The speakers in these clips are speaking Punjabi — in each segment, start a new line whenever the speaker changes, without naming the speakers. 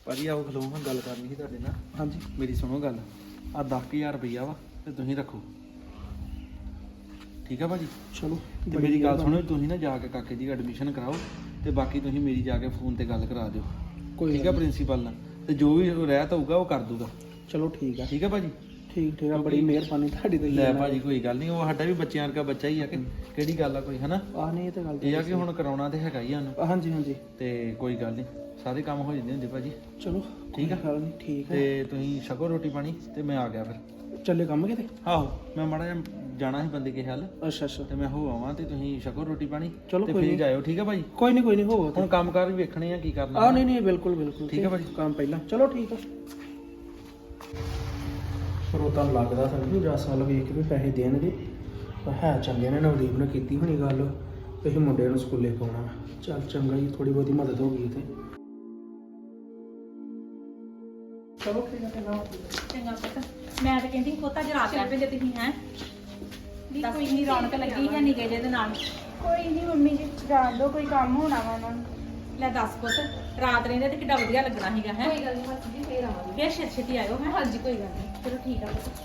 ਭਾਜੀ ਆਓ ਖਲੋ ਹਾਂ ਗੱਲ ਕਰਨੀ ਸੀ ਤੁਹਾਡੇ ਨਾਲ।
ਹਾਂਜੀ
ਮੇਰੀ ਸੁਣੋ ਗੱਲ। ਆ 10,000 ਰੁਪਈਆ ਵਾ ਤੇ ਤੁਸੀਂ ਰੱਖੋ, ਠੀਕ ਆ ਭਾਜੀ?
ਚਲੋ
ਤੇ ਮੇਰੀ ਗੱਲ ਸੁਣੋ, ਤੁਸੀਂ ਨਾ ਜਾ ਕੇ ਕਾਕੇ ਦੀ ਐਡਮਿਸ਼ਨ ਕਰਾਓ ਤੇ ਬਾਕੀ ਤੁਸੀਂ ਮੇਰੀ ਜਾ ਕੇ ਫੋਨ ਤੇ ਗੱਲ ਕਰਾ ਦਿਓ,
ਕੋਈ
ਠੀਕ ਆ ਪ੍ਰਿੰਸੀਪਲ ਨਾਲ, ਤੇ ਜੋ ਵੀ ਰਹਿਤ ਹੋਊਗਾ ਉਹ ਕਰ ਦੂਗਾ।
ਚਲੋ ਠੀਕ ਆ
ਠੀਕ ਆ ਭਾਜੀ?
ਠੀਕ ਆ, ਬੜੀ ਮਿਹਰਬਾਨੀ ਤੁਹਾਡੀ ਤੇ।
ਲੈ ਭਾਜੀ ਕੋਈ ਗੱਲ ਨਹੀਂ, ਉਹ ਸਾਡਾ ਵੀ ਬੱਚਿਆਂ ਵਰਗਾ ਬੱਚਾ ਹੀ ਆ ਕਿ ਕਿਹੜੀ ਗੱਲ ਆ ਕੋਈ, ਹਨਾ?
ਆ ਨਹੀਂ ਇਹ ਤਾਂ ਗੱਲ
ਇਹ ਆ ਕਿ ਹੁਣ ਕਰਾਉਣਾ ਤੇ ਹੈਗਾ ਹੀ ਸਾਨੂੰ।
ਹਾਂਜੀ ਹਾਂਜੀ
ਤੇ ਕੋਈ ਗੱਲ ਨਹੀਂ, ਸਾਰੇ ਕੰਮ ਹੋ ਜਾਂਦੇ ਹੁੰਦੇ ਭਾਜੀ।
ਚਲੋ
ਠੀਕ ਆ?
ਗੱਲ ਨਹੀਂ, ਠੀਕ
ਤੇ
ਹੈ।
ਤੁਸੀਂ ਛਕੋ ਰੋਟੀ ਪਾਣੀ ਤੇ ਮੈਂ ਆ ਗਿਆ ਫਿਰ।
ਚੱਲੇ ਕੰਮ ਕਿਤੇ?
ਆਹੋ ਮੈਂ ਮਾੜਾ ਜਿਹਾ ਜਾਣਾ ਸੀ ਬੰਦੇ ਕੇ ਹੱਲ,
ਅੱਛਾ ਅੱਛਾ,
ਤੇ ਮੈਂ ਹੋ ਆਵਾਂ ਤੇ ਤੁਸੀਂ ਛਕੋ ਰੋਟੀ ਪਾਣੀ
ਚਲੋ
ਤੇ
ਕੋਈ
ਫਿਰ
ਨਹੀਂ।
ਜਾਇਓ, ਠੀਕ ਆ ਭਾਜੀ?
ਕੋਈ ਨਹੀਂ ਹੋਵੋ
ਹੁਣ ਕੰਮ ਕਾਰ ਵੀ ਵੇਖਣੇ ਆ ਕੀ ਕਰਨਾ।
ਆ ਨਹੀਂ ਨਹੀਂ ਬਿਲਕੁਲ ਬਿਲਕੁਲ
ਠੀਕ ਆ ਭਾਜੀ?
ਕੰਮ ਪਹਿਲਾਂ। ਚਲੋ ਠੀਕ ਆ। ਪਰ ਉਹ ਤਾਂ ਲੱਗਦਾ ਸਾਨੂੰ ਜੱਸ ਵੱਲ ਵੇਖ ਕੇ ਵੀ ਪੈਸੇ ਦੇਣਗੇ, ਪਰ ਹੈ ਚੰਗੇ ਨੇ। ਨਵਦੀਪ ਨੇ ਕੀਤੀ ਹੋਣੀ ਗੱਲ, ਇਹ ਮੁੰਡੇ ਨੂੰ ਸਕੂਲੇ ਪਾਉਣਾ। ਚੱਲ ਚੰਗਾ ਜੀ, ਥੋੜੀ ਬਹੁਤੀ ਮਦਦ ਹੋ ਗਈ ਤੇ। ਚਲੋ ਠੀਕ ਆ,
ਚੰਗਾ ਪੁੱਤ, ਮੈਂ ਤਾਂ ਕਹਿੰਦੀ ਪੁੱਤ ਅੱਜ ਰਾਤ ਰਹਿ ਪਏ ਤੁਸੀਂ ਹੈ ਵੀ ਕੋਈ ਨਹੀਂ, ਰੌਣਕ ਲੱਗੀ ਹੈ ਨਿੱਕੇ ਜਿਹੇ ਦੇ ਨਾਲ।
ਕੋਈ ਨਹੀਂ ਮੰਮੀ ਜੀ, ਜਾਣ ਦੋ, ਕੋਈ ਕੰਮ ਹੋਣਾ ਵਾ ਉਹਨਾਂ ਨੂੰ।
ਲੈ ਦੱਸ ਪੁੱਤ, ਰਾਤ ਰਹਿੰਦੇ ਤੇ ਕਿੱਡਾ ਵਧੀਆ ਲੱਗਣਾ ਸੀਗਾ ਹੈ।
ਕੋਈ ਗੱਲ ਨਹੀਂ ਮਾਸੀ ਜੀ, ਫੇਰ ਆਵਾਂਗੇ।
ਫੇਰ ਛੇਤੀ ਛੇਤੀ ਆਇਓ ਹੈ।
ਹਾਂਜੀ ਕੋਈ ਗੱਲ ਨਹੀਂ, ਚਲੋ ਠੀਕ ਆ ਪੁੱਤ।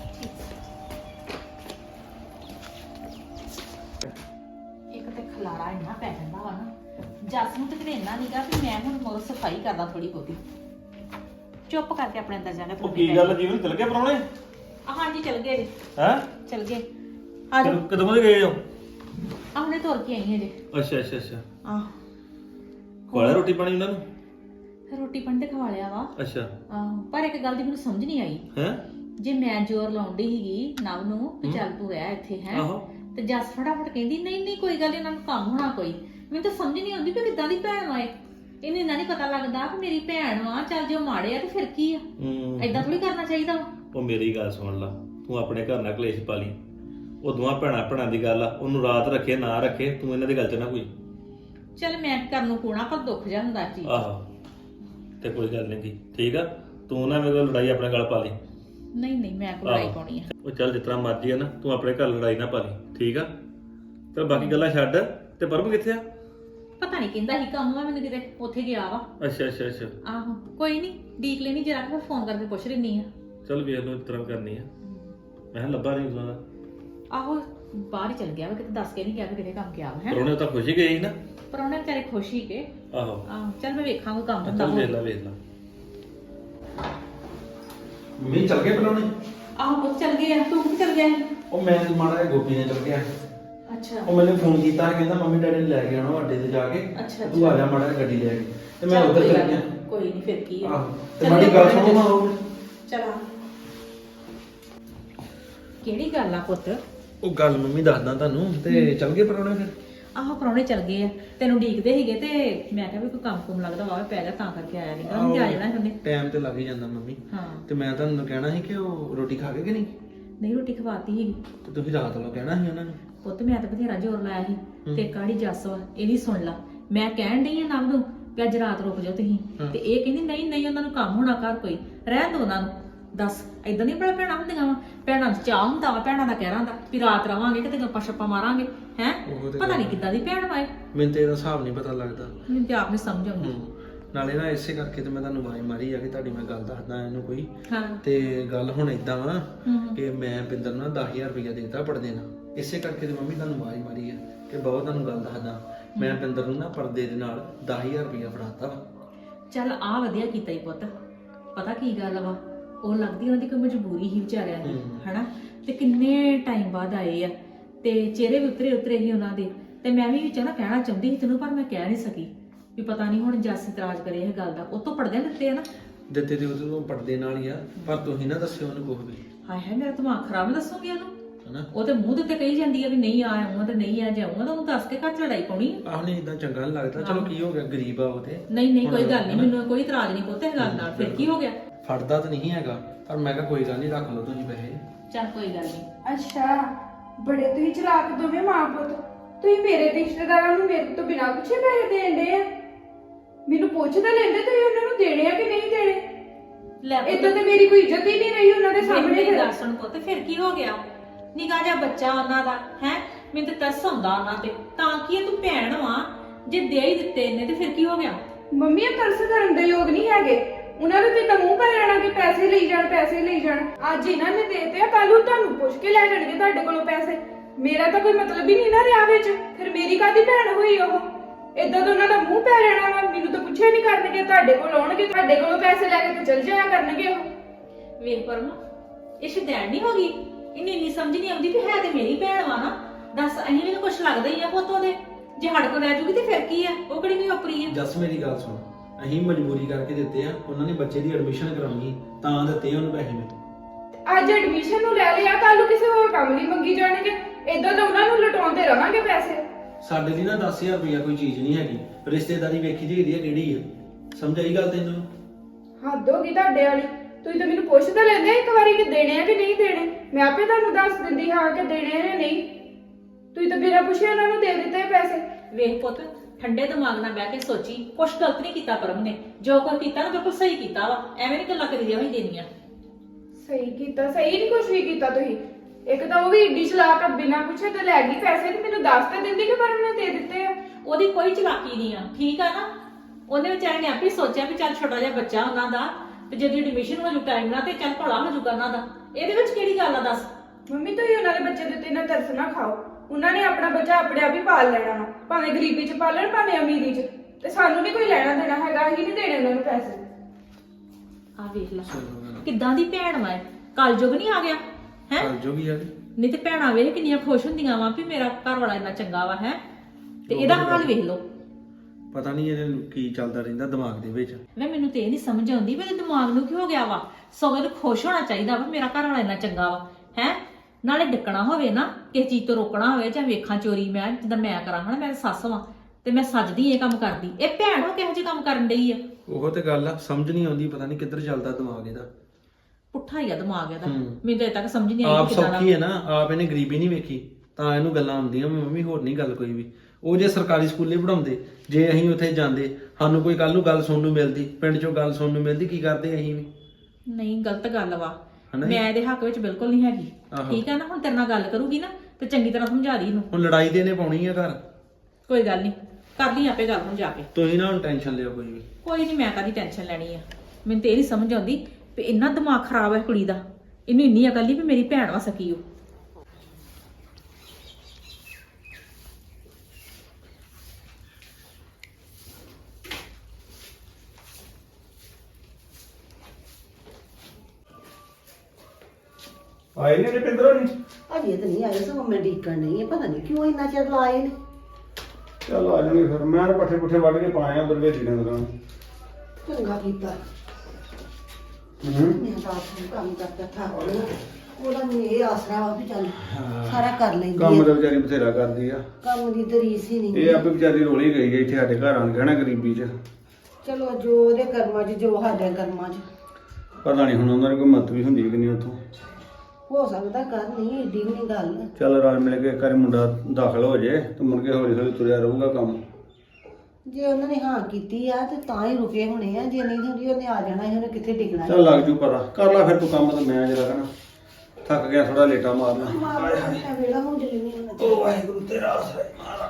ਇੱਕ ਤੇ ਖਲਾਰਾ ਇੰਨਾ ਪੈ ਜਾਂਦਾ ਵਾ ਨਾ, ਜੱਸ ਨੂੰ ਤੇ ਕਿਤੇ ਇੰਨਾ ਨਹੀਂਗਾ ਵੀ ਮੈਂ ਹੁਣ ਮੋਰ ਸਫਾਈ ਕਰਦਾ ਥੋੜੀ ਬਹੁਤੀ। ਚੁੱਪ ਕਰਕੇ ਆਪਣੇ ਅੰਦਰ ਜਾ ਕੇ
ਉਹ ਕੀ ਗੱਲ ਜੀਵਨ ਚਲ ਗਏ ਪਰੌਣੇ?
ਹਾਂਜੀ ਚਲ ਗਏ ਜੀ,
ਹੈ
ਚਲ ਗਏ। ਆ ਜਾਓ,
ਕਦੋਂ ਦੇ ਗਏ ਹੋ?
ਆਹਨੇ ਤੁਰ ਕੇ ਆਈ ਹਾਂ ਜੀ।
ਅੱਛਾ ਅੱਛਾ ਅੱਛਾ,
ਆਹ
ਖਵਾਇਆ ਰੋਟੀ ਪਾਣੀ ਉਹਨਾਂ ਨੂੰ?
ਰੋਟੀ ਪਾਣੀ ਤੇ ਖਵਾ ਲਿਆ ਵਾ।
ਅੱਛਾ।
ਆਹੋ, ਪਰ ਇੱਕ ਗੱਲ ਦੀ ਮੈਨੂੰ ਸਮਝ ਨਹੀਂ ਆਈ।
ਹੈ?
ਜੇ ਮੈਂ ਜ਼ੋਰ ਲਾਉਂਦੀ ਸੀਗੀ ਨਵ ਨੂੰ ਵੀ ਚੱਲ ਤੂੰ ਰਹਿ ਇੱਥੇ ਹੈ,
ਆਹੋ।
ਤੇ ਜੱਸ ਫਟਾਫਟ ਕਹਿੰਦੀ ਨਹੀਂ ਨਹੀਂ ਕੋਈ ਗੱਲ ਨੀ, ਇਹਨਾਂ ਨੂੰ ਕੰਮ ਹੋਣਾ ਕੋਈ। ਮੈਨੂੰ ਤਾਂ ਸਮਝ ਨਹੀਂ ਆਉਂਦੀ ਵੀ ਕਿੱਦਾਂ ਦੀ ਭੈਣ ਵਾ ਇਹ। ਇਹਨੂੰ ਇੰਨਾ ਨਹੀਂ ਪਤਾ ਲੱਗਦਾ ਕਿ ਮੇਰੀ ਭੈਣ ਵਾ, ਚੱਲ ਜੇ ਉਹ ਮਾੜੇ ਆ ਤੇ ਫਿਰ ਕੀ ਆ। ਏਦਾਂ ਥੋੜੀ ਕਰਨਾ ਚਾਹੀਦਾ ਵਾ।
ਉਹ ਮੇਰੀ ਗੱਲ ਸੁਣ ਲਾ, ਤੂੰ ਆਪਣੇ ਘਰ ਨਾਲ ਕਲੇਸ਼ ਪਾ ਲਈ। ਉਹ ਦੋਵਾਂ ਭੈਣਾਂ ਦੀ ਗੱਲ ਆ, ਉਹਨੂੰ ਰਾਤ ਰੱਖੇ ਨਾ ਰੱਖੇ, ਤੂੰ ਇਹਨਾਂ ਦੀ ਗੱਲ 'ਚ ਨਾ ਕੋਈ।
ਚੱਲ ਮੈਂ ਕਰਨ ਨੂੰ ਕੋਣਾ, ਪਰ ਦੁੱਖ ਜਾ ਹੁੰਦਾ ਚੀਜ਼।
ਆਹੋ, ਤੇ ਕੋਈ ਗੱਲ ਨਹੀਂ ਗੀ, ਠੀਕ ਆ? ਤੂੰ ਨਾ ਮੇਰੇ ਕੋਲ ਲੜਾਈ ਆਪਣੇ ਗੱਲ ਪਾ ਲਈ।
ਨਹੀਂ ਨਹੀਂ ਮੈਂ ਕੋਈ ਲੜਾਈ ਪਾਉਣੀ ਆ।
ਉਹ ਚੱਲ ਜਿਸ ਤਰ੍ਹਾਂ ਮਰਜ਼ੀ ਆ ਨਾ, ਤੂੰ ਆਪਣੇ ਘਰ ਲੜਾਈ ਨਾ ਪਾ ਲਈ, ਠੀਕ ਆ? ਤੇ ਬਾਕੀ ਗੱਲਾਂ ਛੱਡ। ਤੇ ਪਰਮ ਕਿੱਥੇ ਆ?
ਪਤਾ ਨਹੀਂ ਕਹਿੰਦਾ ਸੀ ਕੰਮ ਵਾ ਮੈਨੂੰ ਕਿਤੇ, ਉੱਥੇ ਗਿਆ ਵਾ।
ਅੱਛਾ ਅੱਛਾ ਅੱਛਾ,
ਆਹੋ ਕੋਈ ਨਹੀਂ, ਡੀਕ ਲੈਣੀ ਜਰਾ, ਫਿਰ ਫੋਨ ਕਰਕੇ ਪੁੱਛ ਲੈਣੀ ਆ।
ਚੱਲ ਵੇਖ ਲਓ ਇਸ ਤਰ੍ਹਾਂ ਕਰਨੀ ਆ। ਮੈਂ ਕਿਹਾ ਲੱਭਾ ਨਹੀਂ ਉਹਦਾ।
ਆਹੋ ਬਾਹਰ ਹੀ ਚਲ ਗਿਆ ਵਾ, ਕਿਤੇ ਦੱਸ ਕੇ ਨਹੀਂ ਗਿਆ ਵੀ ਕਿਤੇ ਕੰਮ ਗਿਆ ਵਾ ਹੈ।
ਪਰੋਣੇ ਤਾਂ ਖੁਸ਼ੀ ਗਏ ਸੀ ਨਾ।
ਪਰ ਉਹਨੇ ਵਿਚਾਰੇ ਖੁਸ਼ ਹੀ ਕੇ।
ਆਹੋ,
ਆਹੋ ਚੱਲ ਮੈਂ ਵੇਖਾਂ ਕੋਈ ਕੰਮ ਧੰਦਾ
ਚੱਲ
ਹੋਵੇ।
ਵੇਖ ਲਾ।
ਮੰਮੀ ਚੱਲ ਗਏ ਪਰੌਣੇ?
ਆਹੋ ਪੁੱਤ ਚੱਲ ਗਏ ਆ, ਤੂੰ ਕਿੱਥੇ ਚੱਲ ਗਿਆ?
ਉਹ ਮੈਂ ਮਾੜਾ ਜਿਹਾ ਗੋਪੀ ਨੇ ਚੱਲ ਗਿਆ।
ਅੱਛਾ
ਉਹ ਮੈਨੂੰ ਫੋਨ ਕੀਤਾ, ਕਹਿੰਦਾ ਮੰਮੀ ਡੈਡੀ ਨੇ ਲੈ ਕੇ ਆਉਣਾ ਅੱਡੇ ਤੇ ਜਾ ਕੇ,
ਅੱਛਾ
ਤੂੰ ਆ ਜਾ ਮਾੜਾ ਜਿਹਾ ਗੱਡੀ ਲੈ ਕੇ। ਤੇ ਮੈਂ
ਚੱਲ
ਉੱਧਰ
ਕੋਈ
ਚੱਲ
ਗੱਲ
ਗਿਆ।
ਨੀ, ਕੋਈ ਨਹੀਂ ਫਿਰ ਕੀ ਆ।
ਆਹੋ, ਤੇ
ਚੱਲ
ਮਾੜੀ ਗੱਲ
ਜਾ
ਸੁਣੋ ਨਾ ਉਹ।
ਚਲ ਆ। ਕਿਹੜੀ ਗੱਲ ਆ ਪੁੱਤ?
ਉਹ ਗੱਲ ਮੰਮੀ ਦੱਸਦਾ ਤੁਹਾਨੂੰ। ਤੇ ਚੱਲ ਗਏ ਪਰੌਣੇ ਫਿਰ?
ਆਹੋ ਪ੍ਰਾਹੁਣੇ ਚੱਲ ਗਏ ਆ, ਤੈਨੂੰ ਡੀਕਦੇ ਸੀਗੇ ਤੇ ਮੈਂ ਕਿਹਾ ਵੀ ਕੋਈ ਕੰਮ ਕੁਮ ਲੱਗਦਾ ਵਾਵੇ ਪੈ ਜਾ, ਤਾਂ ਕਰਕੇ ਆਇਆ ਨਹੀਂਗਾ। ਉਹਨੇ ਆ ਜਾਣਾ ਉਹਨੇ।
ਟਾਈਮ ਤੇ ਲੱਗ ਹੀ ਜਾਂਦਾ ਮੰਮੀ।
ਹਾਂ
ਤੇ ਮੈਂ ਤੁਹਾਨੂੰ ਕਹਿਣਾ ਸੀ ਕਿ ਉਹ ਰੋਟੀ ਖਾ ਕੇ ਕਿ ਨਹੀਂ?
ਨਹੀਂ ਰੋਟੀ ਖਵਾਤੀ ਸੀਗੀ
ਤੇ ਤੁਸੀਂ ਰਾਤ ਨੂੰ ਕਹਿਣਾ ਸੀ ਉਹਨਾਂ ਨੂੰ।
ਪੁੱਤ, ਮੈਂ ਤਾਂ ਬਥੇਰਾ ਜ਼ੋਰ ਲਾਇਆ ਸੀ ਤੇ ਕਾੜੀ ਜੱਸ ਵਾ, ਇਹ ਵੀ ਸੁਣ ਲਾ। ਮੈਂ ਕਹਿਣ ਡਈ ਆ ਨਵ ਨੂੰ ਵੀ ਅੱਜ ਰਾਤ ਰੁਕ ਜਾਓ ਤੁਸੀਂ, ਤੇ ਇਹ ਕਹਿੰਦੀ ਨਹੀਂ ਨਹੀਂ ਉਹਨਾਂ ਨੂੰ ਕੰਮ ਹੋਣਾ ਘਰ ਕੋਈ, ਰਹਿਣ ਦੋ ਉਹਨਾਂ ਨੂੰ। ਦੱਸ ਏਦਾਂ ਨਹੀਂ ਬੜਾ ਭੈਣਾਂ ਹੁੰਦੀਆਂ ਵਾ? ਭੈਣਾਂ ਨੂੰ ਚਾਹ ਹੁੰਦਾ ਵਾ, ਭੈਣਾਂ ਦਾ ਕਹਿ ਹੁੰਦਾ ਵੀ ਰਾਤ ਰਵਾਂਗੇ ਕਿਤੇ ਗੱਪਾਂ ਛੱਪਾਂ ਮਾਰਾਂਗੇ ਹੈ। ਪਤਾ ਨਹੀਂ ਕਿੱਦਾਂ ਦੀ ਭੈਣ ਵਾ ਇਹ।
ਮੈਨੂੰ ਤੇ ਇਹਦਾ ਹਿਸਾਬ ਨਹੀਂ ਪਤਾ ਲੱਗਦਾ।
ਮੈਨੂੰ ਤੇ ਆਪ ਨਹੀਂ ਸਮਝ ਆਉਂਦੀ।
ਨਾਲੇ ਨਾ ਇਸੇ ਕਰਕੇ ਤੇ ਮੈਂ ਤੁਹਾਨੂੰ ਆਵਾਜ਼ ਮਾਰੀ ਆ ਕਿ ਤੁਹਾਡੀ ਮੈਂ ਗੱਲ ਦੱਸਦਾ ਇਹਨੂੰ ਕੋਈ।
ਹਾਂ
ਤੇ ਗੱਲ ਹੁਣ ਏਦਾਂ ਵਾ ਕਿ ਮੈਂ ਪਿੰਦਰ ਨੂੰ 10,000 ਰੁਪਇਆ ਦੇਤਾ ਪੜਦੇ ਨਾਲ। ਇਸੇ ਕਰਕੇ ਤੇ ਮੰਮੀ ਤੁਹਾਨੂੰ ਆਵਾਜ਼ ਮਾਰੀ ਆ ਕਿ ਬਹੁਤ ਤੁਹਾਨੂੰ ਗੱਲ ਦੱਸਦਾ। ਮੈਂ ਪਿੰਦਰ ਨੂੰ ਨਾ ਪਰਦੇ ਦੇ ਨਾਲ 10,000 ਰੁਪਇਆ ਫੜਾਤਾ ਵਾ।
ਚੱਲ ਆ ਵਧੀਆ ਕੀਤਾ ਈ ਪੁੱਤ। ਪਤਾ ਕੀ ਗੱਲ ਵਾ, ਉਹ ਲੱਗਦੀ ਉਹਨਾਂ ਦੀ ਕੋਈ ਮਜਬੂਰੀ ਹੀ ਵਿਚਾਰਿਆਂ ਦੀ ਹਨਾ। ਤੇ ਕਿੰਨੇ ਟਾਈਮ ਬਾਅਦ ਆਏ ਆ ਤੇ ਚਿਹਰੇ ਵੀ ਉਤਰੇ ਹੀ ਉਹਨਾਂ ਦੇ। ਤੇ ਮੈਂ ਵੀ ਵਿੱਚ ਨਾ ਕਹਿਣਾ ਚਾਹੁੰਦੀ ਸੀ ਤੈਨੂੰ, ਪਰ ਮੈਂ ਕਹਿ ਨਹੀਂ ਸਕੀ ਵੀ ਪਤਾ ਨਹੀਂ ਹੁਣ ਜੱਸ ਇਤਰਾਜ਼ ਕਰੇ ਇਹ ਗੱਲ ਦਾ। ਉਹ ਤੋਂ ਪੜਦੇ ਦਿੱਤੇ ਆ ਨਾ।
ਦਿੱਤੇ ਤੇ ਉਹਦੇ ਤੋਂ ਪਰਦੇ ਨਾਲ ਹੀ ਆ, ਪਰ ਤੁਸੀਂ ਨਾ ਦੱਸਿਓ ਉਹਨੂੰ ਕੁਝ ਵੀ।
ਹਾਏ ਹਾਏ ਮੇਰਾ ਦਿਮਾਗ ਖਰਾਬ ਦੱਸੂਗੀ ਉਹਨੂੰ।
ਹਨਾ?
ਉਹ ਤੇ ਮੂੰਹ ਦੇ ਉੱਤੇ ਕਹੀ ਜਾਂਦੀ ਆ ਵੀ ਨਹੀਂ ਆਉਂਗਾ ਤੇ ਨਹੀਂ ਆ ਜਾਊਂਗਾ, ਤਾਂ ਉਹਨੂੰ ਦੱਸ ਕੇ ਘਰ ਚ ਲੜਾਈ ਪਾਉਣੀ ਆ।
ਆਹ ਨਹੀਂ ਇਦਾਂ ਚੰਗਾ ਨਹੀਂ ਲੱਗਦਾ। ਚਲੋ ਕੀ ਹੋ ਗਿਆ, ਗਰੀਬ ਆ ਉਹ ਤੇ।
ਨਹੀਂ ਨਹੀਂ ਕੋਈ ਗੱਲ ਨਹੀਂ, ਮੈਨੂੰ ਕੋਈ ਇਤਰਾਜ਼ ਨਹੀਂ ਪੁੱਤ ਇਸ ਗੱਲ ਨਾਲ। ਫਿਰ ਕੀ ਹੋ ਗਿਆ?
ਫੜਦਾ ਤਾਂ ਨਹੀਂ ਹੈਗਾ, ਪਰ ਮੈਂ ਕਿਹਾ ਕੋਈ ਗੱਲ ਨਹੀਂ, ਰੱਖ ਲਓ ਤੁਸੀਂ ਪੈਸੇ।
ਚੱਲ ਕੋਈ ਗੱਲ ਨਹੀਂ।
ਅੱਛਾ, ਬੜੇ ਤੁਸੀਂ ਚਲਾਕ ਦੋਵੇਂ ਮਾਂ ਪੁੱਤ। ਤੁਸੀਂ ਮੇਰੇ ਰਿਸ਼ਤੇਦਾਰਾਂ ਨੂੰ ਮੇਰੇ ਤੋਂ ਬਿਨਾਂ ਪੁੱਛੇ ਪੈਸੇ ਦੇਣ ਦੇ ਆ। ਮੈਨੂੰ ਪੁੱਛਦਾ ਲੈਂਦੇ ਤੁਸੀਂ ਉਹਨਾਂ ਨੂੰ ਦੇਣੇ ਆ ਕਿ ਨਹੀਂ ਦੇਣੇ।
ਲੈ
ਇਦਾਂ ਤੇ ਮੇਰੀ ਕੋਈ ਇੱਜ਼ਤ ਹੀ ਨਹੀਂ ਰਹੀ ਉਹਨਾਂ ਦੇ ਸਾਹਮਣੇ।
ਮੇਰੀ ਗੱਲ ਸੁਣ ਪੁੱਤ, ਫਿਰ ਕੀ ਹੋ ਗਿਆ? ਨਿੱਕਾ ਜਿਹਾ ਬੱਚਾ ਉਹਨਾਂ ਦਾ ਹੈ, ਮੈਨੂੰ ਤੇ ਤਰਸ ਆਉਂਦਾ ਉਹਨਾਂ ਤੇ। ਤਾਂ ਕੀ ਤੂੰ ਭੈਣ ਵਾ, ਜੇ ਦੇ ਹੀ ਦਿੱਤੇ ਇਹਨੇ ਤੇ ਫਿਰ ਕੀ ਹੋ ਗਿਆ?
ਮੰਮੀ ਇਹ ਤਰਸ ਕਰਨ ਦੇ ਯੋਗ ਨਹੀਂ ਹੈਗੇ। ਉਹਨਾਂ ਨੂੰ ਤੇ ਤਾਂ ਮੂੰਹ ਪੈ ਜਾਣਾ ਕਿ ਪੈਸੇ ਲਈ ਜਾਣ ਪੈਸੇ ਲਈ ਜਾਣ। ਅੱਜ ਇਹਨਾਂ ਨੇ ਦੇਤੇ ਆ, ਕੱਲ ਨੂੰ ਤੁਹਾਨੂੰ ਪੁੱਛ ਕੇ ਲੈ ਜਾਣਗੇ ਤੁਹਾਡੇ ਕੋਲੋਂ ਪੈਸੇ। ਮੇਰਾ ਤਾਂ ਕੋਈ ਮਤਲਬ ਹੀ ਨਹੀਂ ਨਾ ਰਿਹਾ ਵਿੱਚ, ਫਿਰ ਮੇਰੀ ਕਾਹਦੀ ਭੈਣ ਹੋਈ ਉਹ? ਏਦਾਂ ਤਾਂ ਉਹਨਾਂ ਦਾ ਮੂੰਹ ਪੈ ਜਾਣਾ ਵਾ, ਮੈਨੂੰ ਤਾਂ ਪੁੱਛਿਆ ਨਹੀਂ ਕਰਨਗੇ, ਤੁਹਾਡੇ ਕੋਲ ਆਉਣਗੇ, ਤੁਹਾਡੇ ਕੋਲੋਂ ਪੈਸੇ ਲੈ ਕੇ ਤੇ ਚਲ ਜਾਇਆ ਕਰਨਗੇ ਉਹ।
ਵੇਖ ਪਰਮ, ਇਹ ਸ਼ੁਦੈਣ ਨਹੀਂ ਹੋ ਗਈ? ਇਹਨੂੰ ਇੰਨੀ ਸਮਝ ਨਹੀਂ ਆਉਂਦੀ ਵੀ ਹੈ ਤੇ ਮੇਰੀ ਭੈਣ ਵਾ ਨਾ। ਦੱਸ ਅਸੀਂ ਵੀ ਕੁਛ ਲੱਗਦਾ ਹੀ ਆ ਪੁੱਤੋਂ ਦੇ, ਜੇ ਹੜ ਕੋ ਰਹਿ ਜੂਗੀ ਤੇ ਫਿਰ ਕੀ ਆ? ਉਹ ਕਿਹੜੀ ਕੋਈ ਉਪਰੀ ਆ?
ਜੱਸ ਮੇਰੀ ਗੱਲ ਸੁਣ, ਅਸੀਂ ਮਜਬੂਰੀ ਕਰਕੇ ਦਿੱਤੇ ਆ, ਉਹਨਾਂ ਨੇ ਬੱਚੇ ਦੀ ਐਡਮਿਸ਼ਨ ਕਰਾਉਣੀ ਤਾਂ ਦਿੱਤੇ ਉਹਨੂੰ ਪੈਸੇ ਮੈਂ।
ਅੱਜ ਐਡਮਿਸ਼ਨ ਨੂੰ ਲੈ ਲਿਆ, ਕੱਲ ਨੂੰ ਕਿਸੇ ਹੋਰ ਕੰਮ ਲਈ ਮੰਗੀ ਜਾਣਗੇ। ਏਦਾਂ ਤਾਂ ਉਹਨਾਂ ਨੂੰ ਲਟਾਉਂਦੇ ਰਵਾਂਗੇ ਪੈਸੇ।
ਸਾਡੇ ਲਈ ਨਾ 10000 ਰੁਪਇਆ ਕੋਈ ਚੀਜ਼ ਨਹੀਂ ਹੈਗੀ, ਰਿਸ਼ਤੇਦਾਰੀ ਵੇਖੀ ਦੀ ਹੈ ਕਿਹੜੀ ਆ। ਸਮਝ ਆਈ ਗੱਲ ਤੈਨੂੰ?
ਹੱਦ ਹੋ ਗਈ ਤੁਹਾਡੇ ਵਾਲੀ। ਤੁਸੀਂ ਤਾਂ ਮੈਨੂੰ ਪੁੱਛ ਤਾਂ ਲੈਂਦੇ ਇੱਕ ਵਾਰੀ ਕਿ ਦੇਣੇ ਆ ਕਿ ਨਹੀਂ ਦੇਣੇ, ਮੈਂ ਆਪੇ ਤੁਹਾਨੂੰ ਦੱਸ ਦਿੰਦੀ ਹਾਂ ਕਿ ਦੇਣੇ ਆ ਜਾਂ ਨਹੀਂ। ਤੁਸੀਂ ਤਾਂ ਬਿਨਾਂ ਪੁੱਛੇ ਉਹਨਾਂ ਨੂੰ ਦੇ ਦਿੱਤੇ ਪੈਸੇ।
ਵੇਖ ਪੁੱਤ, ਠੰਡੇ ਦਿਮਾਗ ਨਾਲ ਬਹਿ ਕੇ ਸੋਚੀ, ਕੁਛ ਗਲਤ ਨਹੀਂ ਕੀਤਾ ਪਰਮ ਨੇ। ਜੋ ਕੁਝ ਕੀਤਾ ਨਾ ਬਿਲਕੁਲ ਸਹੀ ਕੀਤਾ ਵਾ, ਐਵੇਂ ਨਹੀਂ ਗੱਲਾਂ ਕਰੀਆਂ ਹੋਈ ਦੇਣੀਆਂ।
ਸਹੀ ਕੀਤਾ? ਸਹੀ ਨਹੀਂ ਕੁਝ ਵੀ ਕੀਤਾ ਤੁਸੀਂ। ਇੱਕ ਤਾਂ ਉਹ ਵੀ ਏਡੀ ਚਲਾਕ ਆ, ਬਿਨਾਂ ਪੁੱਛੇ ਤੇ ਲੈ ਗਈ ਪੈਸੇ ਤੇ ਮੈਨੂੰ ਦੱਸ ਤਾਂ ਦਿੰਦੀ ਕਿ ਪਰ ਮੈਂ ਦੇ ਦਿੱਤੇ ਆ।
ਉਹਦੀ ਕੋਈ ਚਲਾਕੀ ਨਹੀਂ ਆ, ਠੀਕ ਆ ਨਾ? ਉਹਨੇ ਵਿਚਾਰੇ ਨੇ ਆਪੇ ਸੋਚਿਆ ਵੀ ਚੱਲ ਛੋਟਾ ਜਿਹਾ ਬੱਚਾ ਉਹਨਾਂ ਦਾ, ਤੇ ਜਦੋਂ ਐਡਮਿਸ਼ਨ ਹੋ ਜੂ ਟਾਈਮ ਨਾਲ ਤੇ ਚੱਲ ਭਲਾ ਹੋ ਜੂਗਾ ਉਹਨਾਂ ਦਾ। ਇਹਦੇ ਵਿੱਚ ਕਿਹੜੀ ਗੱਲ ਆ ਦੱਸ?
ਮੰਮੀ ਤੁਸੀਂ ਉਹਨਾਂ ਦੇ ਬੱਚੇ ਦੇ ਉੱਤੇ ਨਾ ਤਰਸ ਨਾ ਖਾਓ। ਉਹਨਾਂ ਨੇ ਆਪਣਾ ਬੱਚਾ ਆਪਣੇ ਆਪ ਹੀ ਪਾਲ ਲੈਣਾ ਵਾ, ਭਾਵੇਂ ਗਰੀਬੀ 'ਚ ਪਾਲਣ ਭਾਵੇਂ ਅਮੀਰੀ 'ਚ। ਤੇ ਸਾਨੂੰ ਨਹੀਂ ਕੋਈ ਲੈਣਾ ਦੇਣਾ ਹੈਗਾ, ਅਸੀਂ ਨਹੀਂ ਦੇਣੇ ਉਹਨਾਂ ਨੂੰ ਪੈਸੇ।
ਆ ਵੇਖ ਲੈ ਕਿੱਦਾਂ ਦੀ ਭੈਣ ਵਾ, ਕਲਯੁਗ ਨਹੀਂ ਆ ਗਿਆ ਹੈ?
ਜੋ ਵੀ ਆ
ਨਹੀਂ ਤੇ ਭੈਣਾਂ ਵੇਖ ਕਿੰਨੀਆਂ ਖੁਸ਼ ਹੁੰਦੀਆਂ ਵਾ ਵੀ ਮੇਰਾ ਘਰ ਵਾਲਾ ਇੰਨਾ ਚੰਗਾ ਵਾ ਹੈ। ਤੇ ਇਹਦਾ ਹਾਲ ਵੇਖ ਲਓ।
ਪਤਾ ਨਹੀਂ ਇਹਦੇ ਕੀ ਚੱਲਦਾ ਰਹਿੰਦਾ ਦਿਮਾਗ ਦੇ ਵਿੱਚ।
ਮੈਨੂੰ ਤੇ ਇਹ ਨਹੀਂ ਸਮਝ ਆਉਂਦੀ ਵੀ ਇਹਦੇ ਦਿਮਾਗ ਨੂੰ ਕੀ ਹੋ ਗਿਆ ਵਾ। ਸਗੋਂ ਇਹਨੂੰ ਖੁਸ਼ ਹੋਣਾ ਚਾਹੀਦਾ ਵਾ ਮੇਰਾ ਘਰ ਵਾਲਾ ਇੰਨਾ ਚੰਗਾ ਵਾ ਹੈ। ਨਾਲੇ ਡੱਕਣਾ ਹੋਵੇ ਨਾ, ਕਿਸੇ ਚੀਜ਼ ਤੋਂ ਰੋਕਣਾ ਹੋਵੇ, ਜਾਂ ਵੇਖਾਂ ਚੋਰੀ ਮੈਂ ਜਿੱਦਾਂ ਮੈਂ ਕਰਾਂ ਹਨਾ, ਮੈਂ ਸੱਸ ਵਾਂ ਤੇ ਮੈਂ ਸੱਜਦੀ ਇਹ ਕੰਮ ਕਰਦੀ, ਇਹ ਭੈਣ ਉਹ ਕਿਹੋ ਜਿਹੇ ਕੰਮ ਕਰਨ ਡਈ ਆ?
ਉਹ ਤੇ ਗੱਲ ਆ, ਸਮਝ ਨਹੀਂ ਆਉਂਦੀ, ਪਤਾ ਨਹੀਂ ਕਿੱਧਰ ਚੱਲਦਾ ਦਿਮਾਗ ਇਹਦਾ।
ਪੁੱਠਾ ਹੀ ਆ ਦਿਮਾਗ ਇਹਦਾ। ਮੈਨੂੰ ਤਾਂ ਅਜੇ ਤੱਕ ਸਮਝ ਨਹੀਂ ਆਈ
ਆਪ
ਕਿ ਕਿੱਦਾਂ
ਸੌਖੀ ਹੈ ਨਾ, ਆਪ ਇਹਨੇ ਗਰੀਬੀ ਨਹੀਂ ਵੇਖੀ ਤਾਂ ਇਹਨੂੰ ਗੱਲਾਂ ਆਉਂਦੀਆਂ। ਮੰਮੀ ਹੋਰ ਨਹੀਂ ਗੱਲ ਕੋਈ ਵੀ। ਉਹ ਜੇ ਸਰਕਾਰੀ ਸਕੂਲੇ ਪੜਾਉਂਦੇ, ਜੇ ਅਸੀਂ ਉੱਥੇ ਜਾਂਦੇ, ਸਾਨੂੰ ਕੋਈ ਕੱਲ ਨੂੰ ਗੱਲ ਸੁਣਨ ਨੂੰ ਮਿਲਦੀ, ਪਿੰਡ ਚੋਂ ਗੱਲ ਸੁਣਨ ਨੂੰ ਮਿਲਦੀ, ਕੀ ਕਰਦੇ ਅਸੀਂ ਵੀ?
ਨਹੀਂ, ਗਲਤ ਗੱਲ ਵਾ।
ਹਨਾ?
ਮੈਂ ਇਹਦੇ ਹੱਕ ਵਿੱਚ ਬਿਲਕੁਲ ਨਹੀਂ ਹੈਗੀ,
ਆਹੋ।
ਠੀਕ ਆ ਨਾ? ਹੁਣ ਤੇਰੇ ਨਾਲ ਗੱਲ ਕਰੂਗੀ ਨਾ ਤੇ ਚੰਗੀ ਤਰ੍ਹਾਂ ਸਮਝਾ ਦੀ ਇਹਨੂੰ।
ਹੁਣ ਲੜਾਈ ਦੇ ਨੇ ਪਾਉਣੀ ਆ ਘਰ।
ਕੋਈ ਗੱਲ ਨਹੀਂ, ਕਰਦੀ ਆਪੇ ਗੱਲ ਹੁਣ ਜਾ ਕੇ।
ਤੁਸੀਂ ਨਾ ਹੁਣ ਟੈਨਸ਼ਨ ਲਿਓ ਕੋਈ ਵੀ।
ਕੋਈ ਨਹੀਂ, ਮੈਂ ਕਾਹਦੀ ਟੈਨਸ਼ਨ ਲੈਣੀ ਆ। ਮੈਨੂੰ ਤੇ ਇਹ ਨਹੀਂ ਸਮਝ ਆਉਂਦੀ ਵੀ ਇੰਨਾ ਦਿਮਾਗ ਖਰਾਬ ਹੈ ਕੁੜੀ ਦਾ। ਇਹਨੂੰ ਇੰਨੀ ਅਕਲ ਨਹੀਂ ਵੀ ਮੇਰੀ ਭੈਣ ਵਾ ਸਕੀ ਉਹ।
ਆਏ ਨੇ ਰੁਪਿੰਦਰ ਹੋਣੀ?
ਅਜੇ ਤਾਂ ਨਹੀਂ ਆਏ, ਸਗੋਂ ਮੈਂ ਡੀਕਣ ਨਹੀਂ ਹੈ, ਪਤਾ ਨਹੀਂ ਕਿਉਂ ਇੰਨਾ ਚਿਰ ਲਾਏ ਨੇ।
ਚੱਲ ਆ ਜਾਣਗੇ ਫਿਰ। ਮੈਂ ਤਾਂ ਪੱਠੇ ਪੁੱਠੇ ਵੱਢ ਕੇ ਪਾਇਆ ਬਰਵੇਦੀ ਨੇ ਦਰਾਂ।
ਚੰਗਾ ਕੀਤਾ।
ਹੂੰ।
ਮੈਂ ਤਾਂ ਆਪ ਕੰਮ ਕਰਦਾ ਥੱਕ ਗਈ। ਉਹਦਾ ਮੈਨੂੰ ਇਹ ਆਸਰਾ ਵਾ ਵੀ ਚੱਲ ਸਾਰਾ ਕਰ ਲੈਂਦੀ
ਕੰਮ
ਹੈ।
ਤਾਂ ਵਿਚਾਰੀ ਬਥੇਰਾ ਕਰਦੀ ਆ।
ਕੰਮ ਦੀ ਤਾਂ ਰੀਸ ਹੀ ਨਹੀਂ।
ਇਹ ਆਪੇ ਵਿਚਾਰੀ ਰੋਲੀ ਗਈ ਹੈ ਇੱਥੇ ਸਾਡੇ ਘਰ ਆਣ ਕੇ ਨਾ ਗਰੀਬੀ 'ਚ।
ਚਲੋ ਜੋ ਉਹਦੇ ਕਰਮਾਂ 'ਚ, ਜੋ ਸਾਡੇ ਕਰਮਾਂ 'ਚ।
ਪਤਾ ਨਹੀਂ ਹੁਣ ਉਹਨਾਂ ਦੀ ਕੋਈ ਮੱਤ ਵੀ ਹੁੰਦੀ ਕਿ ਨਹੀਂ ਉੱਥੋਂ।
ਹੋ ਸਕਦਾ ਕਰ ਨਹੀਂ, ਏਡੀ ਵੀ ਨਹੀਂ ਗੱਲ।
ਚੱਲ ਰਲ ਮਿਲ ਕੇ ਇੱਕ ਵਾਰੀ ਮੁੰਡਾ ਦਾਖਲ ਹੋ ਜੇ ਤੇ ਮੁੜ ਕੇ ਹੌਲੀ ਹੌਲੀ ਤੁਰਿਆ ਰਹੂਗਾ ਕੰਮ।
ਜੇ ਉਹਨਾਂ ਨੇ ਹਾਂ ਕੀਤੀ ਆ ਤੇ ਤਾਂ ਹੀ ਰੁਕੇ ਹੋਣੇ ਆ, ਜੇ ਨਹੀਂ ਹੁੰਦੀ ਉਹਨੇ ਆ ਜਾਣਾ ਸੀ, ਉਹਨੇ ਕਿੱਥੇ ਟਿਕਣਾ
ਚੱਲ ਲੱਗ ਜੂ ਪਤਾ। ਕਰ ਲੈ ਫਿਰ ਤੂੰ ਕੰਮ ਤੇ ਮੈਂ ਜਰਾ ਕਹਣਾ ਥੱਕ ਗਿਆ, ਥੋੜਾ ਲੇਟਾ ਮਾਰਨਾ।
ਮਾਰਨਾ ਵੇਲਾ ਹੁਣ ਜਲੀ ਨਹੀਂ
ਓ ਵਾਹਿਗੁਰੂ ਤੇਰਾ ਆਸਰਾ ਹੈ ਮਾਰਾ।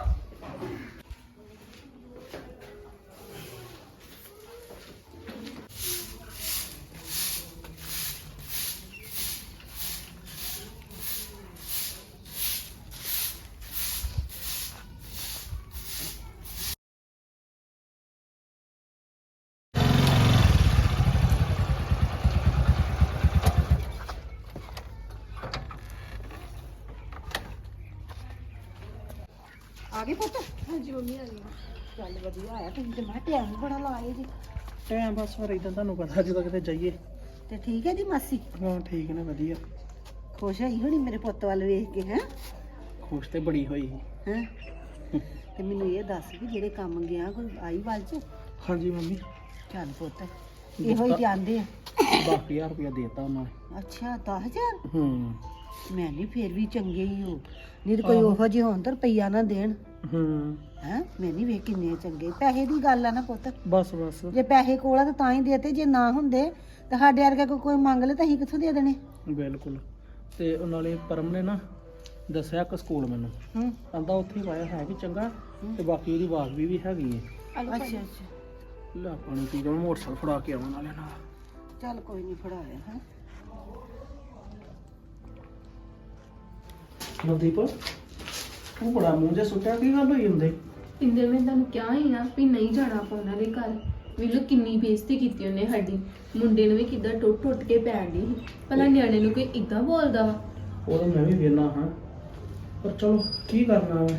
ਆ ਗਏ ਪੁੱਤ? ਹਾਂਜੀ ਮੰਮੀ ਆ ਗਈ। ਚੱਲ ਵਧੀਆ ਆਇਆ, ਤੁਸੀਂ ਤੇ ਮੈਂ ਟਾਈਮ ਬੜਾ ਲਾਏ ਜੀ।
ਟਾਈਮ ਬਸ ਫਿਰ ਇਦਾਂ ਤੁਹਾਨੂੰ ਪਤਾ ਜਦੋਂ ਕਿਤੇ ਜਾਈਏ।
ਤੇ ਠੀਕ ਹੈ ਜੀ ਮਾਸੀ?
ਹਾਂ ਠੀਕ ਨੇ, ਵਧੀਆ।
ਖੁਸ਼ ਹੋਈ ਹੋਣੀ ਮੇਰੇ ਪੁੱਤ ਵੱਲ ਵੇਖ ਕੇ ਹੈ?
ਖੁਸ਼ ਤੇ ਬੜੀ ਹੋਈ।
ਹੈ ਤੇ ਮੈਨੂੰ ਇਹ ਦੱਸ ਵੀ ਜਿਹੜੇ ਕੰਮ ਗਿਆ ਕੋਈ ਆਈ ਵੱਲ ਚ?
ਹਾਂਜੀ ਮੰਮੀ,
ਚੱਲ ਪੁੱਤ ਇਹੋ ਹੀ ਜਾਂਦੇ ਆ।
10000 ਰੁਪਇਆ ਦੇਤਾ ਉਹਨਾਂ ਨੇ।
ਅੱਛਾ 10000?
ਹੂੰ।
ਮੈਂ ਨਹੀਂ ਫੇਰ ਵੀ ਚੰਗੇ ਹੀ ਹੋ, ਨਹੀਂ ਤਾਂ ਕੋਈ ਉਹੋ ਜਿਹੇ ਹੋਣ ਤਾਂ ਰੁਪਈਆ ਨਾ ਦੇਣ।
ਹੂੰ।
ਹੈ ਮੈਂ ਨਹੀਂ ਵੇਖ ਕਿੰਨੇ ਚੰਗੇ। ਪੈਸੇ ਦੀ ਗੱਲ ਆ ਨਾ ਪੁੱਤ,
ਬਸ ਬਸ।
ਜੇ ਪੈਸੇ ਕੋਲ ਆ ਤਾਂ ਹੀ ਦੇਤੇ, ਜੇ ਨਾ ਹੁੰਦੇ ਤਾਂ ਸਾਡੇ ਵਰਗਾ ਕੋਈ ਮੰਗ ਲੈ ਤਾਂ ਅਸੀਂ ਕਿੱਥੋਂ ਦੇ ਦੇਣੇ।
ਬਿਲਕੁਲ। ਤੇ ਉਹ ਨਾਲੇ ਪਰਮ ਨੇ ਨਾ ਦੱਸਿਆ ਇੱਕ ਸਕੂਲ ਮੈਨੂੰ, ਕਹਿੰਦਾ ਉੱਥੇ ਪਾਇਆ ਹੈ ਵੀ ਚੰਗਾ ਤੇ ਬਾਕੀ ਉਹਦੀ ਆਵਾਜ਼ ਵੀ ਹੈਗੀ ਹੈ।
ਅੱਛਾ ਅੱਛਾ।
ਲੈ ਪਾਣੀ ਪੀ ਕੇ ਮੈਂ ਮੋਟਰਸਾਈਕਲ ਫੜਾ ਕੇ ਆਵਾਂ ਨਾਲੇ ਨਾਲ।
ਚੱਲ ਕੋਈ ਨਹੀਂ ਫੜਾਇਆ ਹੈ।
ਨਵਦੀਪ ਉਹ ਬੜਾ ਮੂੰਹ ਜਿਹਾ ਸੁੱਟਿਆ, ਕੀ ਗੱਲ ਹੋਈ ਹੁੰਦੇ?
ਪਿੰਦਰ ਮੈਂ ਤੁਹਾਨੂੰ ਕਿਹਾ ਹੀ ਨਾ ਵੀ ਨਹੀਂ ਜਾਣਾ ਆਪਾਂ ਉਹਨਾਂ ਦੇ ਘਰ। ਵੇਲੋ ਕਿੰਨੀ ਬੇਇੱਜ਼ਤੀ ਕੀਤੀ ਉਹਨੇ ਸਾਡੀ। ਮੁੰਡੇ ਨੂੰ ਵੀ ਕਿੱਦਾਂ ਟੁੱਟ ਕੇ ਪੈਣ ਦੀ ਸੀ। ਭਲਾ ਨਿਆਣੇ ਨੂੰ ਕੋਈ ਇਦਾਂ ਬੋਲਦਾ ਵਾ।
ਉਹ ਤਾਂ ਮੈਂ ਵੀ ਵੇਖਣਾ ਹਾਂ, ਪਰ ਚਲੋ ਕੀ ਕਰਨਾ ਵਾ।